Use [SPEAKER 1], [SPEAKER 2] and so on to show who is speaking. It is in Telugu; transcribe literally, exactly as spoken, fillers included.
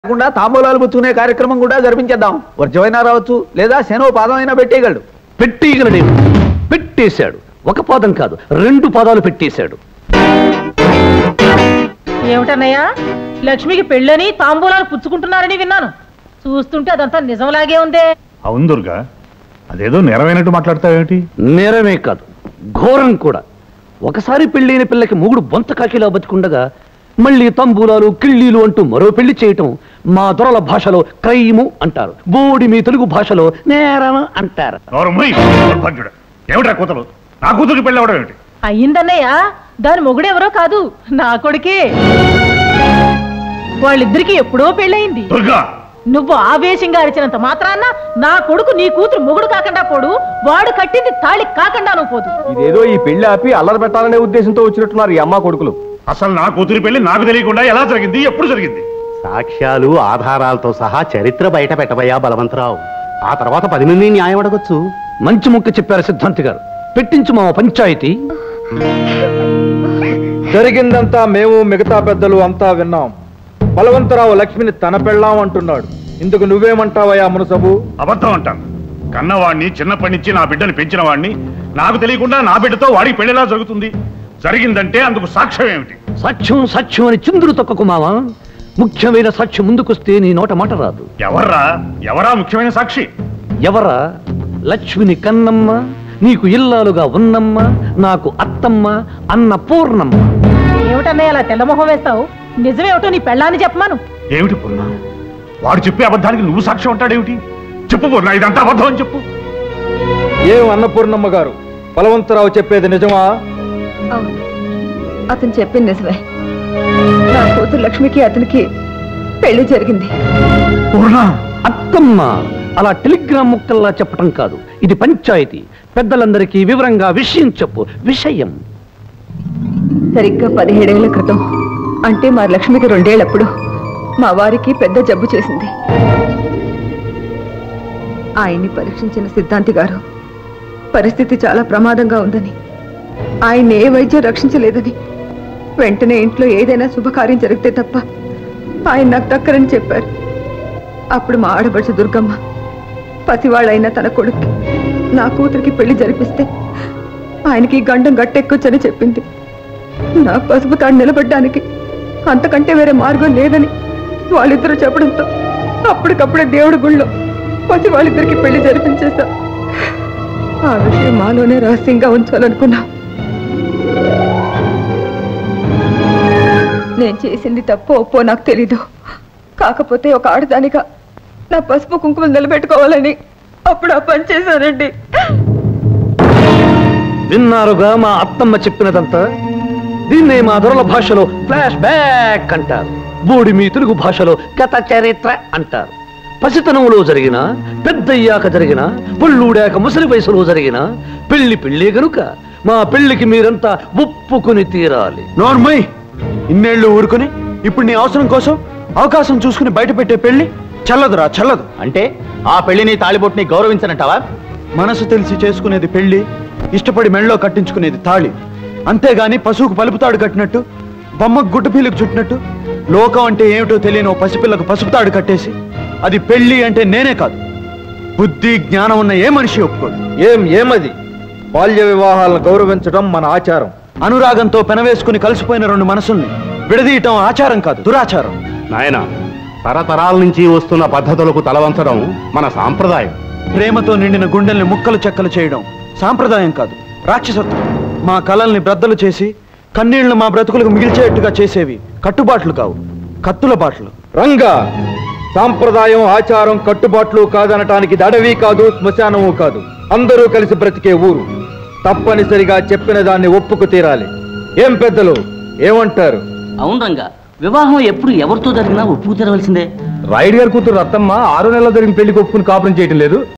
[SPEAKER 1] కాకుండా తాంబూలాలు పుచ్చుకునే కార్యక్రమం కూడా జరిపించేద్దాం. వర్జమైనా రావచ్చు, లేదా శనో పాదం అయినా పెట్టేయగలడు.
[SPEAKER 2] పెట్టేయగలడే పెట్టేశాడు. ఒక పాదం కాదు, రెండు పాదాలు పెట్టేశాడు.
[SPEAKER 3] ఏమిటన్నయ్యా, లక్ష్మికి పెళ్ళని తాంబూలాలు పుచ్చుకుంటున్నారని విన్నాను. చూస్తుంటే అదంతా నిజంలాగే ఉందే.
[SPEAKER 4] అవును దుర్గా, అదేదో నెరవేనట్టు మాట్లాడతావేమిటి?
[SPEAKER 2] నేరమే కాదు, ఘోరం కూడా. ఒకసారి పెళ్ళైన పిల్లకి మూగుడు బొంత కాకిలా బతికుండగా మళ్ళీ తంబూలాలు కిళ్ళీలు అంటూ మరో పెళ్లి చేయటం మా దొరల భాషలో క్రైము అంటారు. బోడి మీ తెలుగు భాషలో నేరం అంటారు.
[SPEAKER 4] ఏమిటా కూతురు? నా కూతురికి పెళ్ళి అవడం ఏమిటి?
[SPEAKER 3] అయ్యిందన్నయ్య, దాని మొగుడెవరో కాదు, నా కొడుకే. వాళ్ళిద్దరికి ఎప్పుడో పెళ్ళయింది. నువ్వు ఆవేశంగా అరిచినంత మాత్రాన్న నా కొడుకు నీ కూతురు మొగుడు కాకుండా పోడు, వాడు కట్టింది తాళి కాకుండా నువ్వు పోదు.
[SPEAKER 1] ఇదేదో ఈ పెళ్లి ఆపి అల్లరి పెట్టాలనే ఉద్దేశంతో వచ్చినట్టున్నారు ఈ అమ్మ కొడుకులు.
[SPEAKER 4] అసలు నా కూతురి పెళ్లి నాకు తెలియకుండా ఎలా జరిగింది, ఎప్పుడు జరిగింది?
[SPEAKER 5] సాక్ష్యాలు ఆధారాలతో సహా చరిత్ర బయట పెట్టబోయా బలవంతరావు. ఆ తర్వాత పది మంది న్యాయం అడగొచ్చు.
[SPEAKER 2] మంచి ముక్క చెప్పారు సిద్ధాంతి గారు. పెట్టించు మా పంచాయతీ.
[SPEAKER 1] జరిగిందంతా మేము మిగతా పెద్దలు అంతా విన్నాం. బలవంతరావు లక్ష్మిని తన పెళ్ళాం అంటున్నాడు. ఇందుకు నువ్వేమంటావయ్యా మునసబు?
[SPEAKER 4] అబద్ధం అంటాను. కన్నవాడిని చిన్నప్పటి నుంచి నా బిడ్డని పెంచిన వాడిని నాకు తెలియకుండా నా బిడ్డతో వాడికి పెళ్లిలా జరుగుతుంది. జరిగిందంటే అందుకు సాక్ష్యం ఏమిటి?
[SPEAKER 2] సాక్ష్యం సాక్ష్యం అని చిందులు తొక్కకు మావా. ముఖ్యమైన సాక్ష్యం ముందుకొస్తే నీ నోట మాట రాదు.
[SPEAKER 4] ఎవర్రా ఎవరా ముఖ్యమైన సాక్షి?
[SPEAKER 2] ఎవరా? లక్ష్మిని కన్నమ్మ, నీకు ఇల్లాలుగా ఉన్నమ్మ, నాకు అత్తమ్మ, అన్న పూర్ణమ్మ.
[SPEAKER 3] ఏమిటన్నయ్య అలా తెల్లమొహం వేస్తావు? నిజమేమిటో నీ పెళ్ళాన్ని చెప్పమాను.
[SPEAKER 4] ఏమిటి పూర్ణ? వాడు చెప్పే అబద్ధానికి నువ్వు సాక్ష్యం అంటాడేమిటి? చెప్పు పూర్ణ, ఇదంతా అబద్ధం అని చెప్పు.
[SPEAKER 1] ఏం అన్నపూర్ణమ్మ గారు, బలవంతరావు చెప్పేది నిజమా?
[SPEAKER 6] అవును, అతను చెప్పింది నిజమే. నా కూతురు లక్ష్మికి అతనికి పెళ్లి జరిగింది.
[SPEAKER 2] అత్తమ్మ అలా టెలిగ్రామ్ ముక్కల్లా చెప్పటం కాదు, ఇది పంచాయతీ. పెద్దలందరికీ వివరంగా విషయం చెప్పు. విషయం
[SPEAKER 6] సరిగ్గా పదిహేడేళ్ల క్రితం, అంటే మా లక్ష్మికి రెండేళ్లప్పుడు మా వారికి పెద్ద జబ్బు చేసింది. ఆయన్ని పరీక్షించిన సిద్ధాంతి గారు పరిస్థితి చాలా ప్రమాదంగా ఉందని, ఆయన ఏ వైద్యం రక్షించలేదని, వెంటనే ఇంట్లో ఏదైనా శుభకార్యం జరిగితే తప్ప ఆయన నాకు దక్కరని చెప్పారు. అప్పుడు మా ఆడబడుచు దుర్గమ్మ పసివాళ్ళైన తన కొడుక్కి నా కూతురికి పెళ్లి జరిపిస్తే ఆయనకి గండం గట్టెక్కొచ్చని చెప్పింది. నా పసుపు తాడు నిలబడ్డానికి అంతకంటే వేరే మార్గం లేదని వాళ్ళిద్దరూ చెప్పడంతో అప్పటికప్పుడే దేవుడి గుళ్ళో పసి వాళ్ళిద్దరికి పెళ్లి జరిపించేశా. ఆ విషయం మాలోనే రహస్యంగా ఉంచాలనుకున్నా. నేను చేసింది తప్పో ఒప్పో నాకు తెలీదు. కాకపోతే ఒక ఆడదానిగా నా పసుపు కుంకుమలు నిలబెట్టుకోవాలని అప్పుడు ఆ పని చేశానండి.
[SPEAKER 2] విన్నారుగా మా అత్తమ్మ చెప్పినదంతా. దీన్నే మా దొరల భాషలో ఫ్లాష్ బ్యాక్ అంటారు. బోడి మీ తెలుగు భాషలో కథ చరిత్ర అంటారు. పసితనంలో జరిగిన, పెద్దయ్యాక జరిగిన, పుళ్ళూడాక ముసలి వయసులో జరిగిన పెళ్లి పెళ్లి గనుక మా పెళ్లికి మీరంతా ఒప్పుకుని తీరాలి.
[SPEAKER 1] నోర్మయ్, ఇన్నేళ్లు ఊరుకుని ఇప్పుడు నీ అవసరం కోసం అవకాశం చూసుకుని బయట పెట్టే పెళ్లి చల్లదురా, చల్లదు.
[SPEAKER 5] అంటే ఆ పెళ్లిని తాళిబొట్టుని గౌరవించనంటావా?
[SPEAKER 1] మనసు తెలిసి చేసుకునేది పెళ్లి, ఇష్టపడి మెళ్ళలో కట్టించుకునేది తాళి. అంతేగాని పశువుకు పలుపుతాడు కట్టినట్టు, బొమ్మకు గుడ్డపీలకు చుట్టినట్టు లోకం అంటే ఏమిటో తెలియని ఓ పసిపిల్లకు పసుపుతాడు కట్టేసి అది పెళ్లి అంటే నేనే కాదు, బుద్ధి జ్ఞానం ఉన్న ఏ మనిషి ఒప్పుకోడు. ఏం ఏమది? బాల్య వివాహాలను గౌరవించడం మన ఆచారం. అనురాగంతో పెనవేసుకుని కలిసిపోయిన రెండు మనసుల్ని విడదీయటం ఆచారం కాదు, దురాచారం.
[SPEAKER 5] నాయన, తరతరాల నుంచి వస్తున్న పద్ధతులకు తలవంచడం మన సాంప్రదాయం.
[SPEAKER 1] ప్రేమతో నిండిన గుండెల్ని ముక్కలు చెక్కలు చేయడం సాంప్రదాయం కాదు, రాక్షసత్వం. మా కళల్ని బ్రద్దలు చేసి కన్నీళ్లు మా బ్రతుకులకు మిగిల్చేట్టుగా చేసేవి కట్టుబాట్లు కావు, కత్తుల బాట్లు. రంగా, సాంప్రదాయం ఆచారం కట్టుబాట్లు కాదనటానికి దడవి కాదు, శ్మశానము కాదు, అందరూ కలిసి బ్రతికే ఊరు. తప్పనిసరిగా చెప్పిన దాన్ని ఒప్పుకు తీరాలి. ఏం పెద్దలు ఏమంటారు?
[SPEAKER 7] అవును రంగా, వివాహం ఎప్పుడు ఎవరితో జరిగినా ఒప్పుకు తీరవలసిందే.
[SPEAKER 1] రాయుడు గారి కూతురు రత్తమ్మ ఆరు నెలల జరిగిన పెళ్లికి ఒప్పుకుని కాపురం చేయటం లేదు.